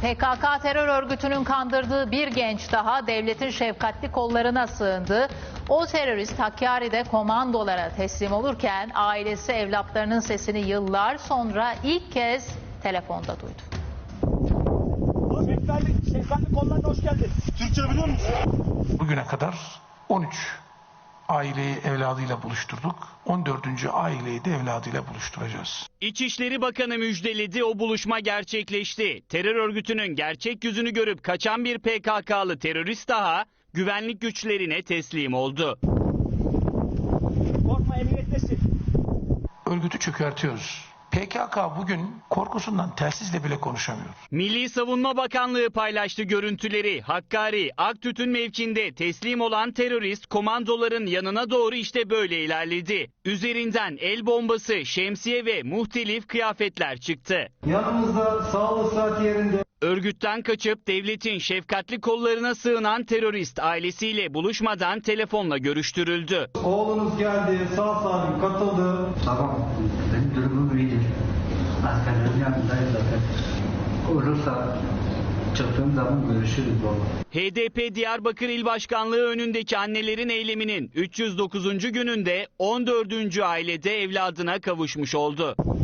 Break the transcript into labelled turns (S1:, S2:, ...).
S1: PKK terör örgütünün kandırdığı bir genç daha devletin şefkatli kollarına sığındı. O terörist Hakkari'de komandolara teslim olurken ailesi evlatlarının sesini yıllar sonra ilk kez telefonda duydu.
S2: Şefkatli kollarına hoş geldin. Türkçe biliyor musun?
S3: Bugüne kadar 13 aileyi evladıyla buluşturduk. 14. aileyi de evladıyla buluşturacağız.
S4: İçişleri Bakanı müjdeledi, o buluşma gerçekleşti. Terör örgütünün gerçek yüzünü görüp kaçan bir PKK'lı terörist daha güvenlik güçlerine teslim oldu.
S2: Korkma, emniyettesin.
S3: Örgütü çökertiyoruz. PKK bugün korkusundan telsizle bile konuşamıyor.
S4: Milli Savunma Bakanlığı paylaştı görüntüleri. Hakkari, Aktütün mevkinde teslim olan terörist komandoların yanına doğru işte böyle ilerledi. Üzerinden el bombası, şemsiye ve muhtelif kıyafetler çıktı.
S5: Yanımızda sağlık saati yerinde.
S4: Örgütten kaçıp devletin şefkatli kollarına sığınan terörist ailesiyle buluşmadan telefonla görüştürüldü.
S5: Oğlunuz geldi, sağ salim katıldı.
S6: Tamam, benim durumum iyidir. Askerlerin yanındayız zaten. Olursa çıktığım zaman görüşürüz baba.
S4: HDP Diyarbakır İl Başkanlığı önündeki annelerin eyleminin 309. gününde 14. ailede evladına kavuşmuş oldu.